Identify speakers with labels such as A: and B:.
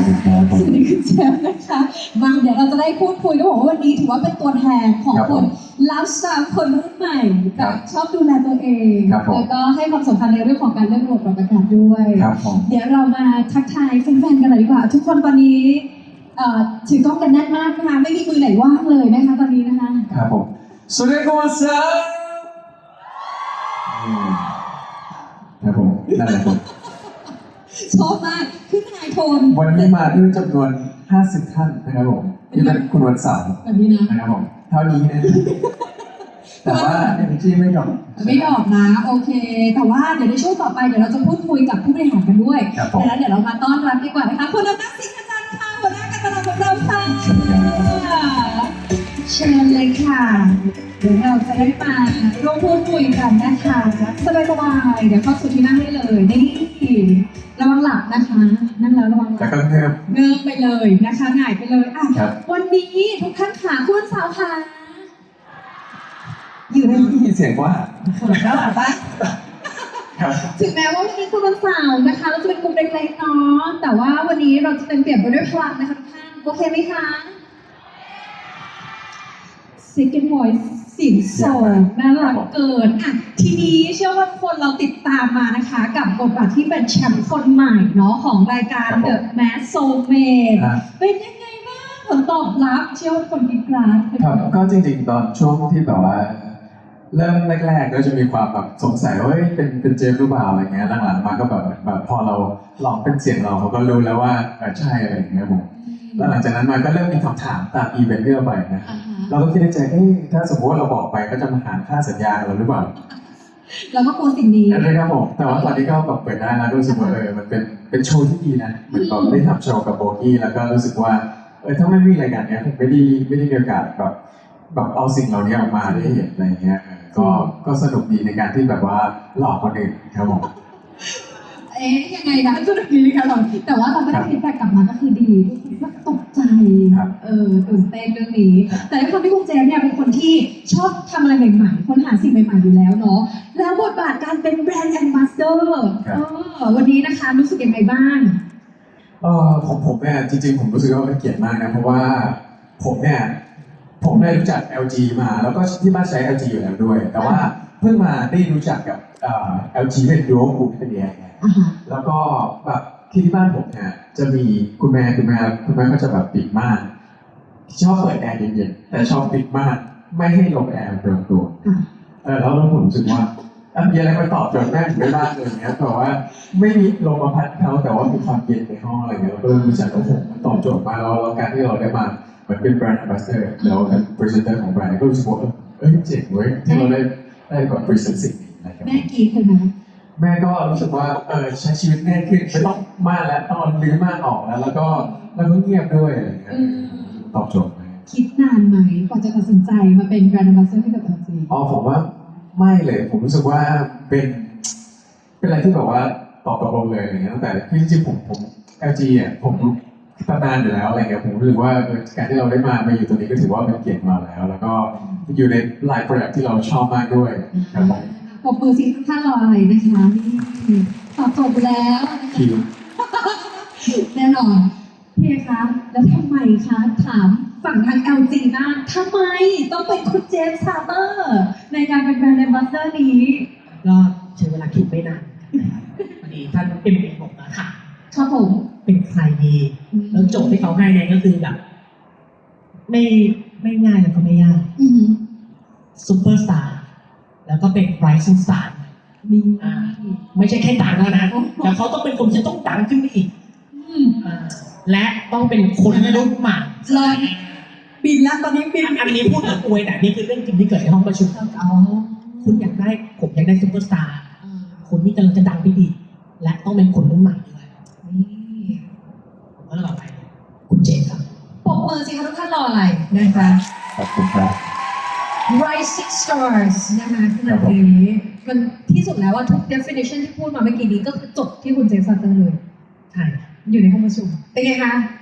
A: สวัสดีคุณเจฟนะคะมาเดี๋ยวเราจะได้พูดคุยด้วยบอกว่าวันนี้ถือว่าเป็นตัวแทนของคนไลฟ์สไตล์คนรุ่นใหม่แบบชอบดูแลตัวเองแล้วก็ให้ความสำคัญในเรื่องของการเลือกระบบปรับอากาศด้วยเดี๋ยวเรามาทักทายแฟนๆกันเลยดีกว่าทุกคนตอนนี้ถือกล้องกันแน่นมากนะคะไม่มีมือไหนว่างเลยนะคะตอนนี้นะคะ
B: ครับผมสวัสดีครับครับผมนั่นแหละครับ
A: ชอบมากขึ้นไฮโทน
B: วันนี้มาด้วยจำนวน50ท่านนะครับผมที่เป็นคุณวันเสาร์
A: แบบนี้
B: นะครับผมเท่านี้นะแต่ว่าenergyไม่ดรอ
A: ปนะโอเคแต่ว่าเดี๋ยวในช่วงต่อไปเดี๋ยวเราจะพูดคุยกับผู้บริหารกันด้วยแล้วเดี๋ยวเรามาต้อนรับดีกว่านะคะคุณอำนาจสิงห์อาจารย์ค่ะหัวหน้าการตลาดของเราค่ะเชิญเลยค่ะเดี๋ยวเราจะได้มาร่วมพูดคุยกันนะคะสบายๆเดี๋ยวเข้าสู่ที่นั่งได้เลยนี่ระวังหลับนะคะนั่งแล้วระวังหลับเงิบไปเลยนะคะหงายไปเลยอ่ะวันนี้ทุกท่านขาคุณสาวค่ะ
B: อยู่ในที่เสียงว่า
A: แล้วหรอปะถึงแม้ว่าวันนี้คุณวันเสาร์นะคะเราจะเป็นกลุ่มเล็กๆเนาะแต่ว่าวันนี้เราจะเต็มเปี่ยมไปด้วยพลังนะคะทุกท่านโอเคไหมคะ Second Voice เสียงสองน่ารักเกินอ่ะทีนี้เชื่อว่าคนเราติดตามมานะคะกับบทบาทที่เป็นแชมป์คนใหม่เนาะของรายการ The Mask Soulmate เป็นยังไงบ้างผลตอบรับเชื่อว่าคนมีกราฟ
B: ครับก็จริงๆตอนช่วงที่แบบว่าเริ่มแรกๆก็จะมีความแบบสงสัยว่าเป็นเจฟหรือเปล่าอะไรเงี้ยหลังๆมาก็แบบพอเราลองเป็นเสียงเราเขาก็รู้แล้วว่าใช่อะไรอย่างเงี้ยผมแล้วหลังจากนั้นมาก็เริ่มมีคำถามตามอีเวนต์ที่เราไปนะเราก็คิดในใจถ้าสมมติว่าเราบอกไปก็จะมาหาค่าสัญญาเราหรือเปล่า
A: เราก็กลัวสิ่งนี้
B: นะครับผมแต่ว่าตอนนี้ก็แบบเปิดได้แล้วรู้สึกว่ามันเป็นโชว์ที่ดีนะเหมือนแบบได้ทำโชว์กับโบกี้แล้วก็รู้สึกว่าถ้าไม่มีรายการนี้ผมไม่ได้มีโอกาสแบบเอาสิ่งเหล่านี้ออกมาได้เห็นอะไรเงี้ยก็สนุกดีในการที่แบบว่าหลอกคนอื่นครับผม
A: ยังไงนะสนุกดีค่ะเราแต่ว่าเราก็ได้ฟีดแบ็กกลับมาก็คือดีทุกคนตกใจตื่นเต้นเรื่องนี้แต่ด้วยความที่คุณเจมเนี่ยเป็นคนที่ชอบทำอะไรใหม่ๆค้นหาสิ่งใหม่ๆอยู่แล้วเนาะแล้วบทบาทการเป็นแบรนด์แอมบาสเดอร์วันนี้นะคะรู้สึกยังไงบ้าง
B: ของผมเนี่ยจริงๆผมรู้สึกว่าเป็นเกียรติมากนะเพราะว่าผมได้รู้จัก LG มาแล้วก็ที่บ้านใช้ LG อยู่แล้วด้วยแต่ว่าเพิ่งมาได้รู้จักกับLG เป็น Dual Group เป็นยังไงแล้วก็แบบที่บ้านผมเนี่ยจะมีคุณแม่ก็จะแบบปิดม่านชอบเปิดแอร์เย็นๆแต่ชอบปิดม่านไม่ให้ลมแอร์โดนตัวแล้วผมรู้สึกว่ามีอะไรมาตอบโจทย์แม่ถึงได้บ้างเลยเงี้ยแต่ว่าไม่มีลมมาพัดเขาแต่ว่ามีความเย็นในห้องอะไรเงี้ยเราก็เลยรู้จักว่าผมตอบโจทย์มาแล้วการที่เราได้มาเหมือนเป็นแบรนด์แอมบาสเดอร์แล้วเป็นพรีเซนเตอร์ของแบรนด์ก็รู้สึกว่าเจ๋งเว้ยที่เราได้แบบพรีเซนต์สิ่งนี้นะครับ
A: แม่กี่คนนะ
B: แม่ก็รู้สึกว่าใช้ชีวิตง่ายขึ้นไม่ต้องม่านแล้วต้องรื้อม่านออกแล้วก็เงียบด้วยอะไรอย่างเงี้ยตอบโจทย์
A: คิดนานไหมกว่าจะตัดสินใจมาเป็นแบรนด์แอมบาสเดอร์ให้กับ LG
B: ผมว่าไม่เลยผมรู้สึกว่าเป็นอะไรที่แบบว่าตอบตกลงเลยอย่างเงี้ยตั้งแต่จริงๆผม LG อ่ะผมตำนานอยู่แล้วอะไรเงี้ยผมรู้สึกว่าการที่เราได้มาอยู่ตรงนี้ก็ถือว่าเป็นเกียรติมาแล้วก็อยู่ในไลฟ์โปรดักที่เราชอบมากด้วยครับผม
A: ปรบมือสิท่านรออะไรนะคะตอบจบแล้ว
B: คิว
A: แน่นอนพี่คะแล้วทำไมคะถามฝั่งทาง LG บ้างทำไมต้องเป็นคุณเจมส์ซาเตอร์ในการเป็นแบรนด์แอมบาสเดอร์นี้
C: ก็ใช้เวลาคิดไม่นานพอดีท่านเอ็มบอกมาค่ะ
A: ครับผม
C: เป็นใครดีแล้วโจทย์ที่เขาให้เนี่ยก็คือแบบไม่ง่ายแล้วก็ไม่ยากซูเปอร์สตาร์แล้วก็เป็นไรซิ่งสตาร์ไม่ใช่แค่ดังแล้วนะแต่เขาต้องเป็นคนที่ต้องดังขึ้นไปอีกและต้องเป็นคนรุ่นใหม่
A: เลยบินแล้วตอนนี้บิน
C: อันนี้พูดถึงอวยแต่นี่คือเรื่องจริงที่เกิดในห้องประชุมคุณอยากได้ผมอยากได้ซูเปอร์สตาร์คนที่กำลังจะดังไปอีกและต้องเป็นคนรุ่นใหม่ด้วยผมก็เลยไปคุณเจนครับ
A: ปรบมือสิคะทุกท่านรออะไรนะคะ
B: ขอบคุณครับ
A: Rising Stars นะคะขนาดนี้มันที่สุดแล้วว่าทุก definition ที่พูดมาเมื่อกี้นี้ก็คือจบที่คุณเจมส์ซัตเตอร์เลย
C: ใช่
A: อยู่ในห้องประชุมเป็นไงคะ